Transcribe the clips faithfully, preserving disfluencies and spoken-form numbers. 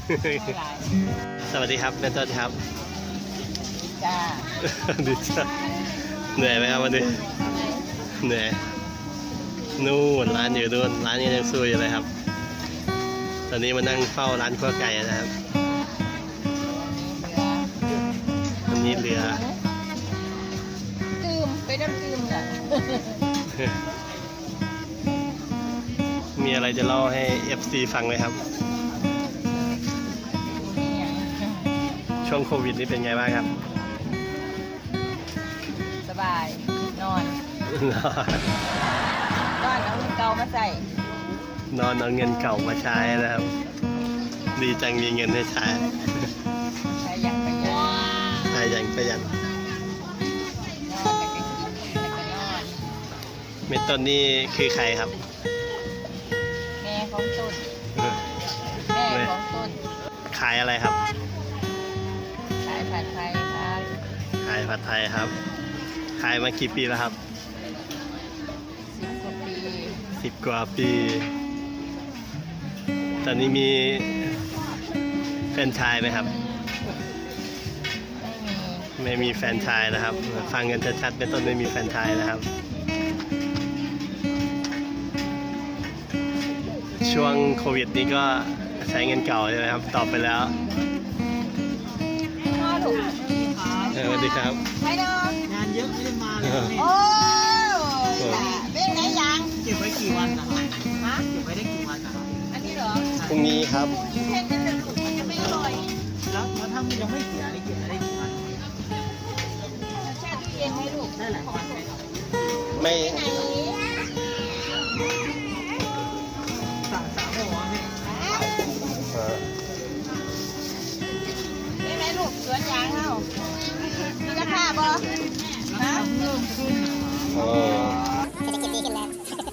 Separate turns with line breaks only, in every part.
สวัสดีครับแม่ต้นครับ
จ้า
ดีจ้าเหนื่อยไหมครับวันนี้เหนื่อยนู่นร้านอยู่นู่นร้านยังสู้อยู่เลยครับตอนนี้มานั่งเฝ้าร้านข้าวไก่นะครับวันนี้เหลือ
ตืมไปน้ำตืมอ่ะ
มีอะไรจะเล่าให้ เอฟ ซี ฟังไหมครับช่วงโควิดนี่เป็นไงบ้างครับ
สบายนอนนอนเอาเงินเก่ามาใส่
นอนเอาเงินเก่ามาใช้นะครับดีจังมีเงินให้ใช้
ใช้ยังประหยัด
ใช้ยังประหยัด
นอนแต่ก็กินแต่ก็นอน
เมตต้นนี่คือใครครับ
แม่ของต้นแม่ของต้น
ขายอะไรครับ
ขายผัดไทยครับ
ขายผัดไทยครับขายมากี่ปีแล้วครับ
สิบกว่าปี
สิบกว่าปีตอนนี้มีแฟนชายไหมครับ
ไม่มี
ไม่มีแฟนชายนะครับฟังกันชัดๆเป็นต้นไม่มีแฟนชายนะครับช่วงโควิดนี้ก็ใช้เงินเก่าใช่ไหมครับตอบไปแล้ว
พ่อถูก
สวัสดีครับ
ไม่เดิน
งานเยอะไม่ได้มาเลย
โอ้เป็นไงยัง
เก็บไว้กี่วันนะครับฮะเก็บไว้ได้กี่วันนะครับ
อันนี้เหรอ
พรุ่งนี้ครับ
เพ่นนั่นถูกมันจะไม่อร่อย
แล้วแล้วถ้ามันยังไม่เสียได้เก็บได้กี่วัน
แช่ตู้เย็นให้ลูก
ได้หลายวันไหมครับ
ไม่
สามสามหัวเนี่ย
เป็นไงลูกสวนยางเอ้ามีราคาบ่ฮะ
เพิ่มขึ้น
โอ้
เศรษฐกิจดีขึ้นแล้ว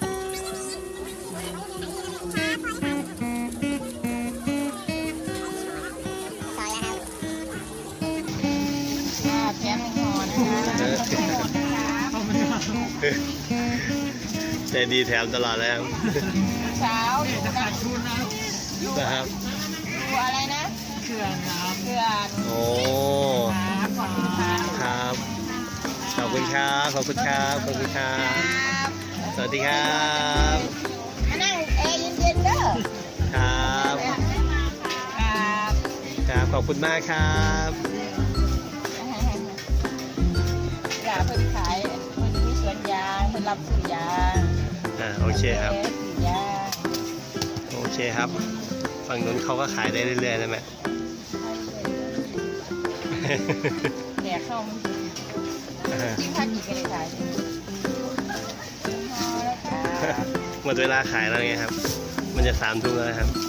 แถมหอนะคะ
ใจดีแถมตลอดเลยครับ
เช้า
จะขาดทุนนะ
นะครับ
ดูอะไรนะ
เขื่อนครับ
เขื่อน
โอ้ครับขอบคุณครับขอบคุณครับขอบคุณครับสวัสดีครับ
มานั่งแอร์เย็นๆเด้อ
ครับ
ครับ
ครับขอบคุณมากครับ
อย่าเพิ่งขายเพิ่งมีสวนยางเพิ่งรับซื้อยาง
อ่าโอเคครับ
ซื้อยาง
โอเคครับฝั่งนู้นเขาก็ขายได้เรื่อยๆนะแม่
แดกเข้ากินข้าวกี่กันเลยขาย
หมดเวลาขายแล้วไงครับมันจะสามทุ่มแล้วครับ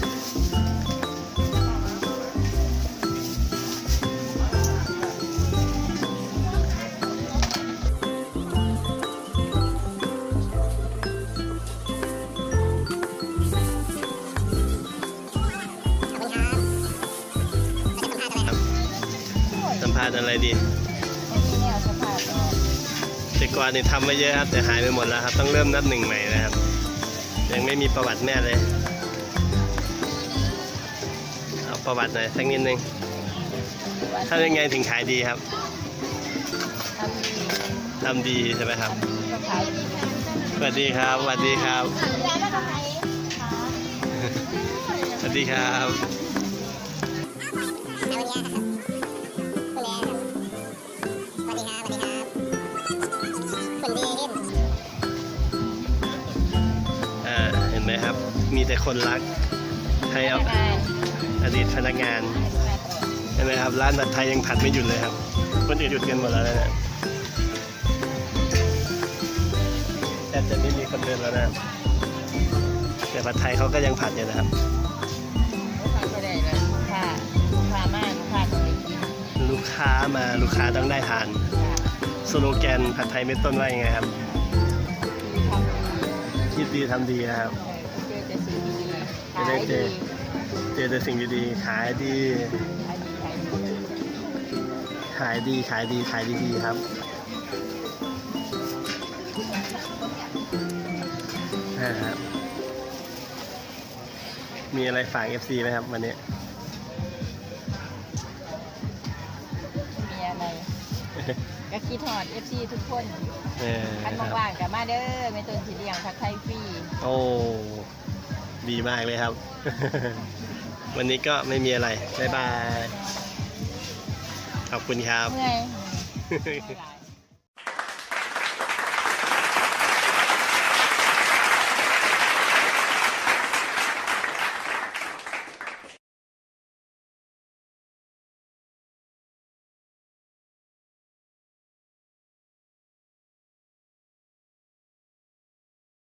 สัมภาษณ์อะไรดีแต่ก่อนนี่ทำมาเยอะครับแต่หายไปหมดแล้วครับต้องเริ่มนับหนึ่งใหม่นะครับยังไม่มีประวัติแม่เลยเอาประวัติหน่อยสักนิดนึงทำยังไงถึงขายดีครับทำดีใช่ไหมครับสวัสดีครับสวัสดีครับสวัสดีครับเห็นไหมครับมีแต่คนรักให้เอาอดีตพนักงานเห็นไหมครับร้านผัดไทยยังผัดไม่หยุดเลยครับคนอื่นหยุดกันหมดแล้วนะแทบจะไม่มีคนเดินแล้วนะแต่ผัดไทยเขาก็ยังผัดอยู่นะครับลูกค้ามาลูกค้าต้องได้ทานสโลแกนผัดไทยเม็ดต้นว่ายังไงครับคิดดีทำดีนะครับจะได้เจอเจอแต่สิ่งดีๆขายดีขายดีขายดีขายดีๆครับมีอะไรฝาก เอฟ ซี ไหมครับวันนี้
ก็คิดฮอด เอฟ ซี ทุกคน
เออ
คัน
ครับ
ว่างๆกับมาเด้อแม่ต้นสิเลี้ยงผัดไทยฟรี
โอ้ ดีมากเลยครับ วันนี้ก็ไม่มีอะไร บ๊ายบาย ขอบคุณครับ
เมื่อย